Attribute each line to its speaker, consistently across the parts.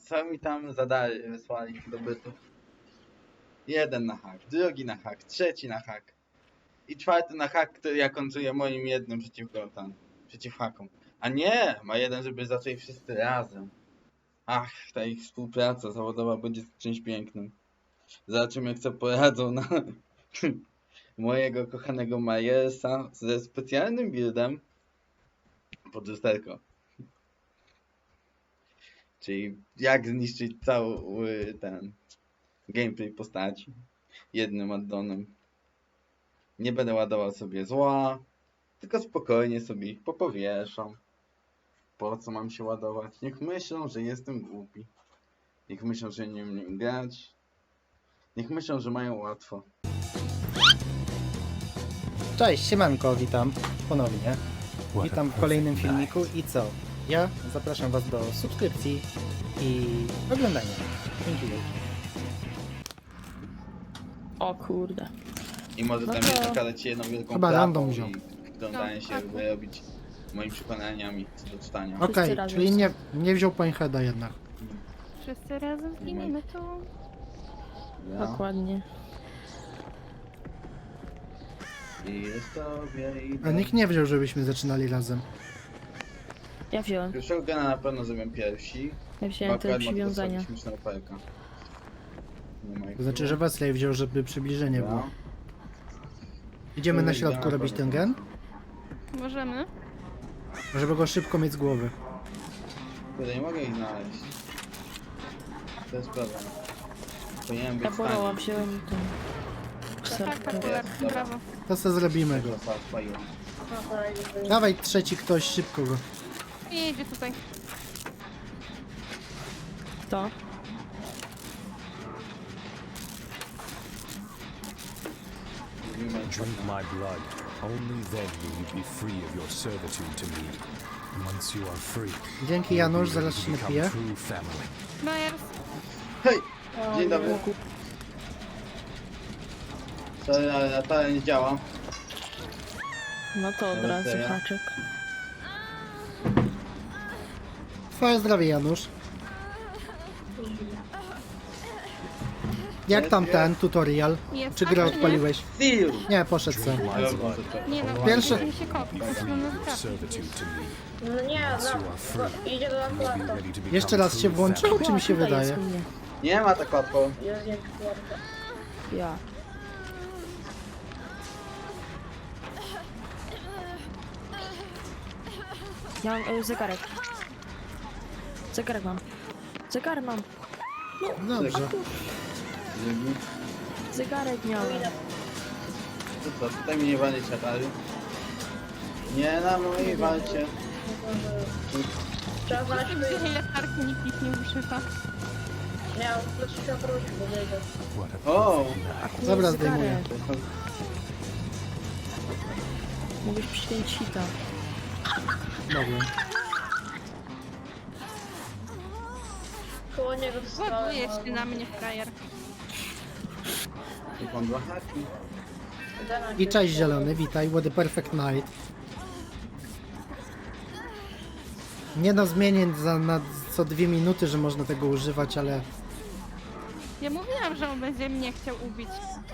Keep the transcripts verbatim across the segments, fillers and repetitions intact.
Speaker 1: co mi tam zadali, wysłali do bytu. Jeden na hak, drugi na hak, trzeci na hak. I czwarty na hak, który ja końcuję moim jednym przeciwko tam, przeciw hakom. A nie, ma jeden, żeby zaczęli wszyscy razem. Ach, ta ich współpraca zawodowa będzie czymś pięknym. Zobaczymy, jak co poradzą na mojego kochanego Majersa ze specjalnym buildem pod lusterko. Czyli jak zniszczyć cały ten gameplay postaci jednym addonem. Nie będę ładował sobie zła, tylko spokojnie sobie ich popowieszam. Po co mam się ładować? Niech myślą, że jestem głupi. Niech myślą, że nie umiem grać. Niech myślą, że mają łatwo.
Speaker 2: Cześć, siemanko, witam ponownie. Witam w kolejnym filmiku i co? Ja zapraszam was do subskrypcji i oglądania. Dzięki wielkie.
Speaker 3: O kurde.
Speaker 1: I może
Speaker 3: No
Speaker 1: tam
Speaker 3: to-
Speaker 1: jeszcze pokazać ci jedną wielką
Speaker 2: Chyba
Speaker 1: klapą
Speaker 2: random wziął.
Speaker 1: i wglądanie się,
Speaker 3: tak.
Speaker 1: wyrobić moimi przekonaniami co do czytania.
Speaker 2: Okej,
Speaker 3: Wszyscy razem
Speaker 2: czyli
Speaker 3: są.
Speaker 2: nie, nie wziął Poinheada jednak.
Speaker 4: Wszyscy razem zginiemy tu.
Speaker 1: Ja.
Speaker 3: Dokładnie.
Speaker 1: I jest tobie i
Speaker 2: A nikt nie wziął, żebyśmy zaczynali razem.
Speaker 3: Ja wziąłem.
Speaker 1: Pierwszego gena na pewno zrobią pierwsi.
Speaker 3: Ja wziąłem te
Speaker 1: Akurat ma to
Speaker 3: przywiązania.
Speaker 1: dosyć śmieszna operka. Nie ma jak
Speaker 2: To znaczy, że
Speaker 1: było.
Speaker 2: Wesley wziął, żeby przybliżenie
Speaker 1: Dobra.
Speaker 2: było. Idziemy na środku
Speaker 1: Dobra,
Speaker 2: robić ten
Speaker 1: dobra.
Speaker 2: gen,
Speaker 4: Możemy?
Speaker 2: żeby go szybko mieć z głowy.
Speaker 1: Kurde, nie mogę ich znaleźć. To jest problem. Powinienem być
Speaker 3: Ja
Speaker 1: w
Speaker 3: boroła
Speaker 1: stanie.
Speaker 3: wziąłem ten.
Speaker 4: Tak,
Speaker 3: Serkę.
Speaker 4: tak,
Speaker 1: Dobra.
Speaker 4: brawo.
Speaker 2: To co zrobimy go.
Speaker 1: Dobra, spaliłem.
Speaker 2: Dawaj trzeci ktoś, szybko go.
Speaker 4: I jedzie tutaj.
Speaker 3: To.
Speaker 1: Mówimy,
Speaker 5: Drink my blood. Only then will you be free of your servitude to me. Once you are free,
Speaker 2: Dzięki
Speaker 5: you will
Speaker 2: Janusz,
Speaker 5: be
Speaker 2: zaraz
Speaker 5: ready
Speaker 2: się
Speaker 5: to become
Speaker 2: napiję.
Speaker 5: true family.
Speaker 4: Myers.
Speaker 1: Hej! Dzień dobry. Sorry, ale Natalia nie działa.
Speaker 3: No to od
Speaker 1: Dobra,
Speaker 3: razu
Speaker 1: serio?
Speaker 3: haczyk.
Speaker 2: Twoje zdrowie, Janusz. Jak tam ten tutorial?
Speaker 4: Jest
Speaker 2: Czy
Speaker 4: tak,
Speaker 2: grę
Speaker 4: czy nie?
Speaker 2: odpaliłeś?
Speaker 1: Seal!
Speaker 2: Nie, poszedł sam.
Speaker 5: Drink my blood.
Speaker 4: Nie no,
Speaker 2: Pierwszy-
Speaker 4: mi się kopi.
Speaker 5: Be free
Speaker 4: Mamy
Speaker 5: of your
Speaker 4: trafić.
Speaker 5: servitude to me.
Speaker 6: No nie,
Speaker 5: Once you are free,
Speaker 6: no, idzie do
Speaker 5: you will be
Speaker 6: akuarta.
Speaker 5: ready to become
Speaker 2: Jeszcze raz się
Speaker 5: true
Speaker 2: włączył,
Speaker 5: family.
Speaker 2: czy mi się
Speaker 3: Tutaj
Speaker 2: wydaje?
Speaker 3: jest u mnie.
Speaker 1: Nie ma tak łatwo.
Speaker 6: Jest jak akuarta.
Speaker 3: Ja. Ja mam e, zegarek. Zegarek mam. Zegarek mam.
Speaker 2: Dobrze.
Speaker 1: Dzięki.
Speaker 3: Zegarek miałem.
Speaker 1: To co, tutaj mi nie walnie czatary. Nie na mojej walcie.
Speaker 6: Trzeba znaleźć
Speaker 4: Gdzie
Speaker 6: wyjście.
Speaker 4: ile tarki nikt ich nie uszyta.
Speaker 6: Nie, on leci się wrócić, bo wyjdzie.
Speaker 5: What a
Speaker 1: O!
Speaker 3: Akurat
Speaker 2: Dobra,
Speaker 3: zegarek.
Speaker 2: zdejmuję.
Speaker 3: Mówisz przyjąć hita.
Speaker 2: Dobra.
Speaker 6: Koło niego wstałem.
Speaker 4: Ładuje się na mnie frajer.
Speaker 1: Tu mam dwa haki.
Speaker 2: I cześć zielony, witaj, what a perfect night. Nie no, zmienię za na co dwie minuty, że można tego używać, ale
Speaker 4: Ja mówiłam, że on będzie mnie chciał ubić.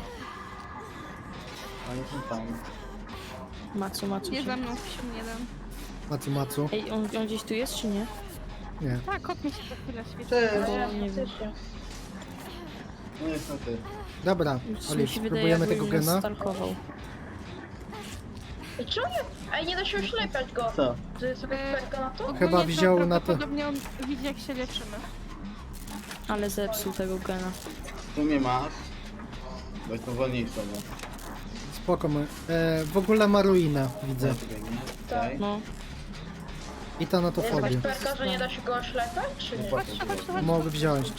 Speaker 1: Oni są tam.
Speaker 3: Macu, macu.
Speaker 4: Nie
Speaker 3: się.
Speaker 4: za mną się nie dam.
Speaker 2: macu macu.
Speaker 3: Ej, on, on gdzieś tu jest, czy nie?
Speaker 2: Nie.
Speaker 4: Tak, kot mi się za chwilę świeci.
Speaker 1: Cześć!
Speaker 3: Bo nie wiem.
Speaker 1: No niestety.
Speaker 2: Dobra,
Speaker 3: Coś
Speaker 2: Oli,
Speaker 3: mi się wydaje,
Speaker 2: spróbujemy
Speaker 3: jakby
Speaker 2: tego
Speaker 3: mnie
Speaker 2: gena.
Speaker 3: stalkował.
Speaker 6: I czemu nie? Ej, nie da się oślepiać go.
Speaker 1: Co?
Speaker 6: To jest jakaś perka na to?
Speaker 4: Ogólnie
Speaker 2: Chyba
Speaker 4: to
Speaker 2: wziął na to-
Speaker 4: Prawdopodobnie on widzi jak się leczymy.
Speaker 3: Ale zepsuł tego gena.
Speaker 1: Tu mnie masz. Bo jestem wolniejszy, no.
Speaker 2: Spoko, my. E, w ogóle ma ruinę, widzę.
Speaker 1: Okej.
Speaker 3: No.
Speaker 2: I ta na
Speaker 6: Jest
Speaker 2: to
Speaker 6: jakaś
Speaker 2: fobię.
Speaker 6: perka, że nie da się go oślepiać, czy nie?
Speaker 4: Chodź, chodź, chodź, chodź.
Speaker 2: Mogę wziąć.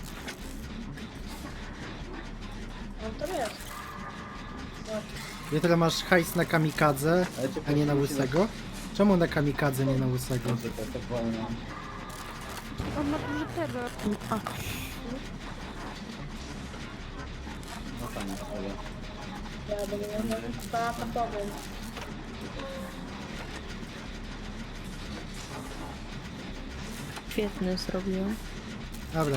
Speaker 6: No to jest.
Speaker 2: Jutro masz hajs na kamikadze,
Speaker 1: Ale cię
Speaker 2: a nie na
Speaker 1: musi
Speaker 2: łysego. Czemu na kamikadze, nie na łysego?
Speaker 1: Dobrze, to tak wolno.
Speaker 4: On ma duży terror.
Speaker 3: A,
Speaker 1: No fajnie, ale...
Speaker 6: Ja będę miał na to powiem.
Speaker 3: świetny zrobiłem.
Speaker 2: Dobra.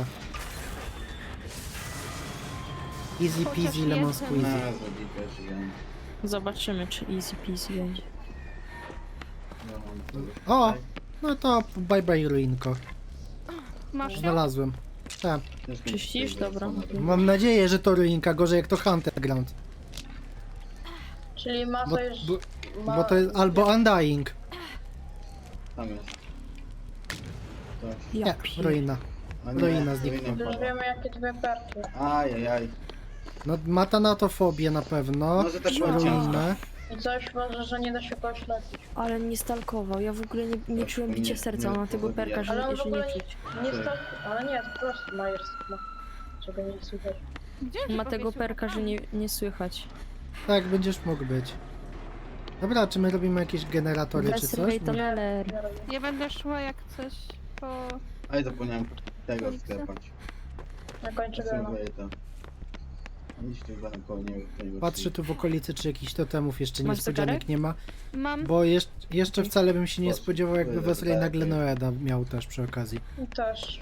Speaker 2: Easy
Speaker 4: Chociaż
Speaker 2: peasy lemon
Speaker 4: jeden.
Speaker 2: squeezy.
Speaker 1: Na zrobi pierwszy dzień.
Speaker 3: Zobaczymy, czy easy peasy będzie.
Speaker 1: Ja mam to.
Speaker 2: O! No to bye bye ruinko.
Speaker 4: Masz ją?
Speaker 2: Znalazłem. Tak.
Speaker 1: Ciężko mi
Speaker 3: Czyścisz?
Speaker 1: tutaj
Speaker 3: Dobra.
Speaker 1: wracamy.
Speaker 2: Mam nadzieję, że to ruinka, gorzej jak to Hunter Ground.
Speaker 6: Czyli masa
Speaker 2: Bo,
Speaker 6: już...
Speaker 2: bo,
Speaker 6: ma...
Speaker 2: bo to jest albo Undying.
Speaker 1: Tam jest. To.
Speaker 3: Ja
Speaker 2: Nie,
Speaker 3: pier...
Speaker 2: ruina.
Speaker 1: A nie,
Speaker 2: Ruina znikła.
Speaker 1: ruina
Speaker 6: Już
Speaker 1: pada.
Speaker 6: wiemy jakie dwie perki.
Speaker 1: Ajajaj.
Speaker 2: No ma tanatofobię na pewno.
Speaker 1: Może tak
Speaker 2: Ruinę.
Speaker 6: I coś może, że nie da się go oślepić.
Speaker 3: Ale nie stalkował. Ja w ogóle nie, nie czułem bicia
Speaker 1: Nie,
Speaker 3: serca
Speaker 1: nie,
Speaker 3: na tego
Speaker 1: zabija.
Speaker 3: perka, że,
Speaker 6: Ale on w
Speaker 3: że
Speaker 6: ogóle
Speaker 3: nie
Speaker 6: nie,
Speaker 3: czuć.
Speaker 6: nie
Speaker 1: Tak.
Speaker 6: stał... Ale nie, to po prostu Myers ma. Czego nie słychać.
Speaker 4: Gdzie on się
Speaker 3: Ma tego
Speaker 4: powiesił?
Speaker 3: perka, że nie, nie słychać.
Speaker 2: Tak, będziesz mógł być. Dobra, czy my robimy jakieś generatory czy coś?
Speaker 3: Wesley Tunneler.
Speaker 6: Ja robię.
Speaker 4: Ja będę szła jak coś po...
Speaker 1: Aj, zapomniałem tego sklepać.
Speaker 6: Na końcu
Speaker 1: Ja
Speaker 6: gana.
Speaker 1: sobie to. Nic tu za koło nie nie
Speaker 2: Patrzę tu w okolicy, czy jakichś totemów jeszcze
Speaker 3: Masz
Speaker 2: niespodzianek
Speaker 3: zegarek?
Speaker 2: nie ma.
Speaker 4: Mam...
Speaker 2: Bo jeszcze, jeszcze wcale bym się nie
Speaker 1: Patrz,
Speaker 2: spodziewał, jakby
Speaker 1: tu jest
Speaker 2: Wesley nagle
Speaker 1: zegarek.
Speaker 2: Noeda miał też przy okazji.
Speaker 6: I też.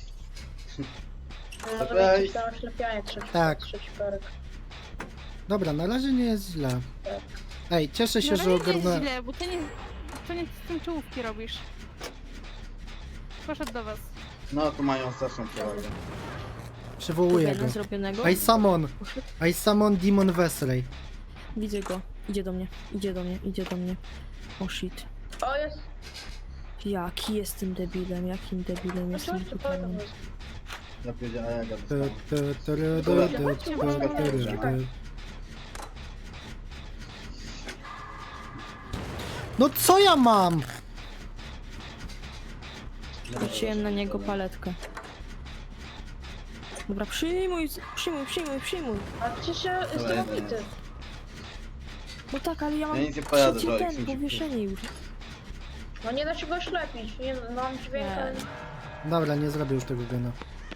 Speaker 6: Może
Speaker 1: Cześć.
Speaker 6: mieć tam oślepianie trzeci,
Speaker 2: Tak.
Speaker 6: trzeci perek.
Speaker 2: Dobra, na razie nie jest źle.
Speaker 6: Tak.
Speaker 2: Ej, cieszę się,
Speaker 4: No
Speaker 2: że
Speaker 4: ale nie jest
Speaker 2: ogarnąłem.
Speaker 4: źle, bo ty nie... To nie z tym czołówki robisz. Poszedł do was.
Speaker 1: No, tu mają straszną przewagę.
Speaker 2: Przywołuję go.
Speaker 3: Jeden zrobionego.
Speaker 2: I summon! I summon Demon Wesley.
Speaker 3: Widzę go. Idzie do mnie. Idzie do mnie. Idzie do mnie. O shit.
Speaker 6: O, jest!
Speaker 3: Jaki jestem debilem, jakim debilem
Speaker 6: No
Speaker 3: jestem
Speaker 6: coś tu
Speaker 3: totalnie.
Speaker 6: powiem.
Speaker 1: Ja powiedziałem, a ja go
Speaker 2: Tu,
Speaker 1: dostałem.
Speaker 2: tu, tu, ru, du, du, tu, tu, ru, du. No co ja mam?
Speaker 3: Rzuciłem na niego paletkę. Dobra, przyjmuj, przyjmuj, przyjmuj, przyjmuj.
Speaker 6: A przecież ja jestem
Speaker 1: Dobra,
Speaker 6: obity.
Speaker 3: No tak, ale ja mam
Speaker 1: Ja nic nie pojadę,
Speaker 3: trzeci
Speaker 1: Jolik,
Speaker 3: ten,
Speaker 1: mi się
Speaker 3: powieszenie już.
Speaker 6: No nie da się go oślepić. Nie, mam dźwięk,
Speaker 3: Nie.
Speaker 6: ale...
Speaker 2: Dobra, nie zrobię już tego gena.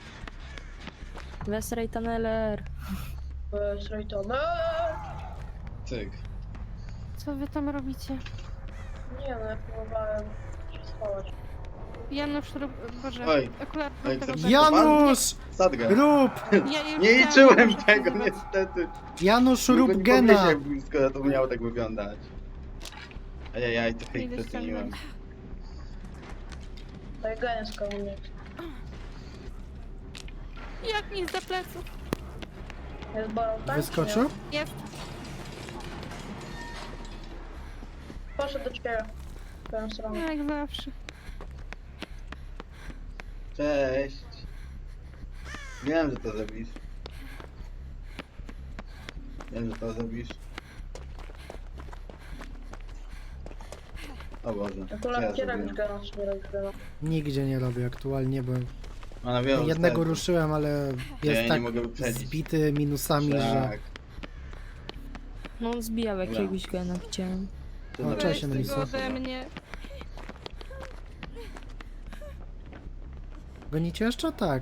Speaker 3: Wesley Tunneler.
Speaker 6: Słuchaj to. No!
Speaker 1: Cyk.
Speaker 4: Co wy tam robicie?
Speaker 6: Nie no, ja próbowałem się schować.
Speaker 4: Janusz, rób... Boże,
Speaker 1: Oj.
Speaker 4: akurat
Speaker 1: Oj,
Speaker 4: tego
Speaker 1: co-
Speaker 4: tak-
Speaker 2: Janusz!
Speaker 1: Sadgę.
Speaker 2: Rób!
Speaker 4: Ja już
Speaker 1: Nie
Speaker 4: chciałam
Speaker 1: liczyłem
Speaker 4: Janusza
Speaker 1: tego,
Speaker 4: próbować.
Speaker 1: niestety.
Speaker 2: Janusz,
Speaker 1: Nikt
Speaker 2: rób
Speaker 1: go nie
Speaker 2: gena!
Speaker 1: podniesie, skoro to miało tak wyglądać. Ajajaj, trochę ich
Speaker 4: Idę
Speaker 1: przeceniłem.
Speaker 4: ściągnąć.
Speaker 6: To jest geniusz koło mnie.
Speaker 4: Jak mi za pleców?
Speaker 6: Jest borą, tak?
Speaker 2: Wyskoczył?
Speaker 4: Jest.
Speaker 6: Poszedł do ciebie. W twoją stronę.
Speaker 4: Jak zawsze.
Speaker 1: Cześć. Wiem, że to zrobisz. Wiem, że to zrobisz. O Boże. co ja
Speaker 6: Akurat gdzie
Speaker 1: zrobiłem?
Speaker 6: robisz gana, czy nie robisz gana?
Speaker 2: Nigdzie nie robię aktualnie, bo
Speaker 1: A na wielu
Speaker 2: jednego
Speaker 1: sercu.
Speaker 2: ruszyłem, ale
Speaker 1: Ja
Speaker 2: jest
Speaker 1: nie
Speaker 2: tak
Speaker 1: mogę wyprzedzić.
Speaker 2: zbity minusami, że...
Speaker 1: Tak.
Speaker 3: No on zbijał
Speaker 1: Dobra.
Speaker 3: jakiegoś gena, widziałem.
Speaker 1: To
Speaker 2: O,
Speaker 1: na-
Speaker 2: cześć,
Speaker 4: Weź
Speaker 2: Melisa.
Speaker 4: tego ode mnie.
Speaker 2: Gonicie jeszcze? Tak.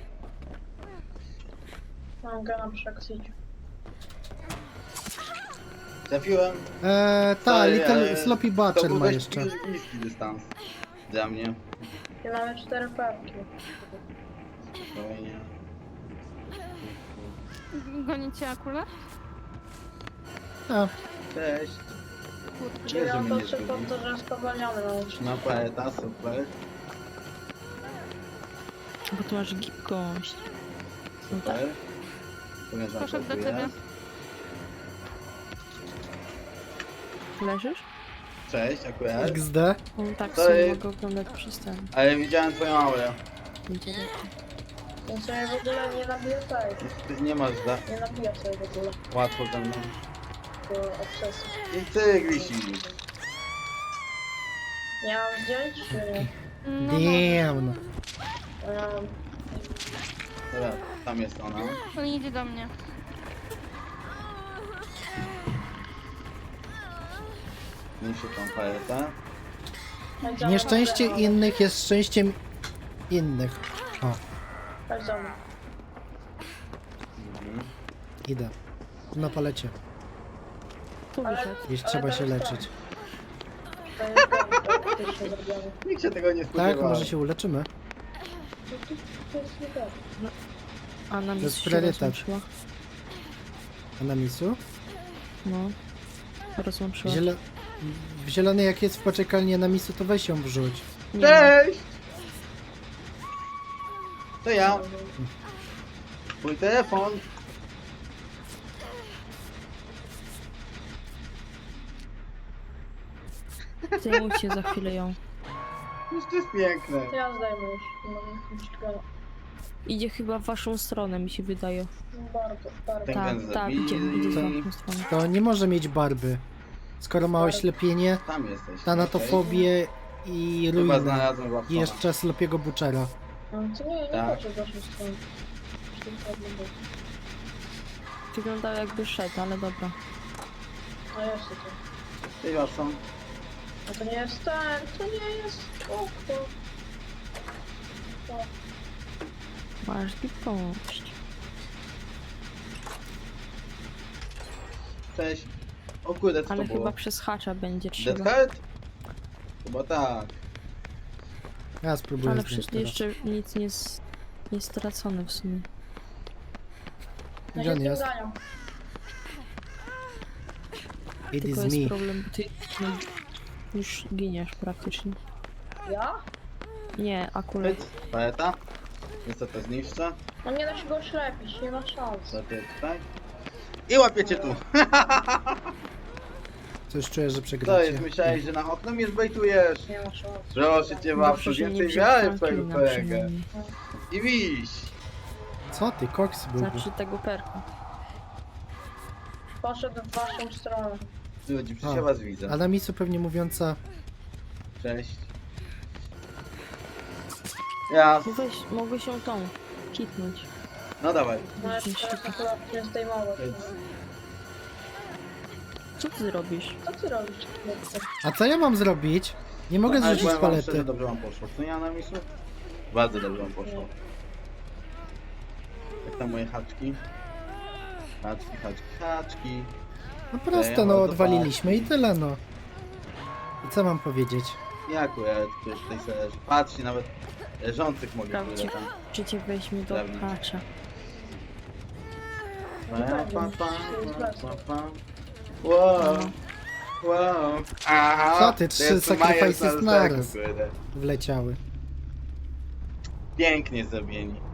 Speaker 6: Mam gana przy akcji.
Speaker 1: Trafiłem.
Speaker 2: Eee, ta,
Speaker 1: Sorry,
Speaker 2: Little
Speaker 1: ale
Speaker 2: Sloppy
Speaker 1: To
Speaker 2: Butcher
Speaker 1: był
Speaker 2: ma
Speaker 1: dość
Speaker 2: jeszcze.
Speaker 1: bliz- bliski dystans. Dla mnie.
Speaker 6: I mamy cztery perki.
Speaker 1: Spokojnie.
Speaker 4: Gonicie akurat?
Speaker 2: A,
Speaker 1: Cześć.
Speaker 6: Czyli
Speaker 1: że
Speaker 6: on
Speaker 1: mnie
Speaker 6: to
Speaker 1: nie
Speaker 6: trzy
Speaker 1: zgubi.
Speaker 6: pod to, że spowalniony na ulicy.
Speaker 1: No poeta, super.
Speaker 3: Bo tu masz gibkość. No tak.
Speaker 1: Super. Ponieważ
Speaker 4: Poszedł do
Speaker 1: tu
Speaker 4: ciebie.
Speaker 1: jest.
Speaker 3: Leżysz?
Speaker 1: Cześć, akurat.
Speaker 2: X D.
Speaker 3: On tak
Speaker 1: To
Speaker 3: sobie
Speaker 1: jest-
Speaker 3: mogę oglądać przez ten.
Speaker 1: Ale widziałem twoją aurę.
Speaker 3: Internet.
Speaker 6: Więc sobie w ogóle nie nabija tej.
Speaker 1: Ty nie masz za
Speaker 6: Nie nabija sobie w ogóle.
Speaker 1: łatwo ze mną.
Speaker 6: Bo obsesji.
Speaker 1: I ty wisi.
Speaker 6: Nie mam zdjęć, czy nie?
Speaker 4: No,
Speaker 2: Damn.
Speaker 6: Um,
Speaker 1: Dobra, tam jest ona.
Speaker 4: on idzie do mnie.
Speaker 1: Niszczy tą poetę.
Speaker 2: Nieszczęście innych jest szczęściem innych. O,
Speaker 6: Chodź za mną.
Speaker 1: Mhm.
Speaker 2: idę. Na palecie.
Speaker 3: Tu
Speaker 6: Ale-
Speaker 3: wyszedł.
Speaker 2: Jeśli
Speaker 6: ale
Speaker 2: trzeba
Speaker 6: to
Speaker 2: się
Speaker 6: jest
Speaker 2: leczyć.
Speaker 6: To jest gana, to faktycznie zrobiony.
Speaker 1: Nikt się tego nie spodziewał.
Speaker 2: Tak, może się uleczymy.
Speaker 6: To, to, to jest nie tak.
Speaker 3: A na
Speaker 2: jest
Speaker 3: mistrz się
Speaker 2: priorytet.
Speaker 3: rozłączyła.
Speaker 2: A na misu?
Speaker 3: No. Rozłączyła.
Speaker 2: Zielo... W zielonej jak jest w poczekalni, a na misu to weź ją wrzuć.
Speaker 3: Nie ma.
Speaker 1: Cześć! To ja. Mój telefon.
Speaker 3: Zajmujcie za chwilę ją.
Speaker 1: Już to jest piękne.
Speaker 6: To ja zdejmę już. Nie mam nic czego.
Speaker 3: Idzie chyba w waszą stronę, mi się wydaje.
Speaker 6: Bardzo, bardzo.
Speaker 1: Tak.
Speaker 3: Tak,
Speaker 1: ten
Speaker 3: tak,
Speaker 1: zabili.
Speaker 3: idzie, idzie w
Speaker 2: To-
Speaker 3: waszą stronę.
Speaker 2: To nie może mieć barby. Skoro ma oślepienie,
Speaker 1: Tam jesteś.
Speaker 2: tanatofobię i
Speaker 1: Chyba
Speaker 2: ruinę.
Speaker 1: znalazłem Watsona.
Speaker 2: I jeszcze Slopiego Butchera.
Speaker 6: No, to nie, nie
Speaker 1: Tak.
Speaker 6: patrzę w waszą stronę. Już tylko jedno było.
Speaker 3: Wyglądał jakby szedł, ale dobra.
Speaker 6: A jest to.
Speaker 1: Cześć Watson.
Speaker 6: A to nie jest ten, to nie jest okno. To.
Speaker 3: Masz gibkość.
Speaker 1: Cześć. O kurde, co
Speaker 3: Ale
Speaker 1: to było?
Speaker 3: chyba przez hacza będzie trzeba.
Speaker 1: Dead Heart? Chyba tak.
Speaker 2: Ja spróbuję
Speaker 3: Ale
Speaker 2: zdjąć
Speaker 3: przecież
Speaker 2: teraz.
Speaker 3: jeszcze nic nie jest, nie jest stracone w sumie.
Speaker 6: Ja
Speaker 2: Gdzie on
Speaker 6: się
Speaker 2: jest?
Speaker 6: zganiam.
Speaker 2: It is
Speaker 3: Tylko jest
Speaker 2: me.
Speaker 3: problem, bo ty no, już giniesz praktycznie.
Speaker 6: Ja?
Speaker 3: Nie, akurat.
Speaker 1: Pyt, paleta. Niestety zniszczę.
Speaker 6: No nie da się go oślepić, nie ma szans.
Speaker 1: Co ty tutaj? I łapiecie tu.
Speaker 2: Coś czuję, że
Speaker 1: Co
Speaker 2: przegracie.
Speaker 1: jest? Myślałeś, że na okno mnie zbejtujesz?
Speaker 6: Nie ma szans.
Speaker 1: Proszę cię, Wapsu,
Speaker 3: Dobrze, że nie
Speaker 1: więcej
Speaker 3: wziął
Speaker 1: wiary w twojego
Speaker 3: Franklina
Speaker 1: kolegę.
Speaker 3: przynajmniej.
Speaker 1: I wiś.
Speaker 2: Co ty, koks był.
Speaker 3: Znaczy tego perka.
Speaker 6: Poszedł w waszą stronę.
Speaker 1: Ludzi, przecież
Speaker 2: A.
Speaker 1: ja was widzę.
Speaker 2: A na misu pewnie mówiąca...
Speaker 1: Cześć. Ja.
Speaker 3: No weź, mogłeś się tą kitnąć.
Speaker 1: No dawaj.
Speaker 6: No jeszcze teraz akurat nie zdejmować.
Speaker 3: Co ty robisz?
Speaker 6: Co ty robisz? chłopcze?
Speaker 2: A co ja mam zrobić? Nie mogę
Speaker 1: Ale
Speaker 2: zrzucić
Speaker 1: powiem wam szczerze,
Speaker 2: palety.
Speaker 1: dobrze wam poszło. Co ja na misu? Bardzo dobrze wam poszło. Jak tam moje haczki? Haczki, haczki, haczki.
Speaker 2: No prosto, no odwaliliśmy i tyle, no. I co mam powiedzieć?
Speaker 1: Ja akurat ktoś tutaj sobie leży. Patrzcie, nawet leżących mogę
Speaker 3: Sprawdźcie,
Speaker 1: tyle tam.
Speaker 3: czy cię weźmie do
Speaker 1: Sprawdzić.
Speaker 3: hacza.
Speaker 1: Pa, pa, pa, pa, pa, pa. Wow, wow. Aha,
Speaker 2: Co ty,
Speaker 1: to
Speaker 2: trzy
Speaker 1: jest
Speaker 2: sacrifices
Speaker 1: Myers
Speaker 2: naraz.
Speaker 1: kurde.
Speaker 2: Wleciały.
Speaker 1: Pięknie zrobieni.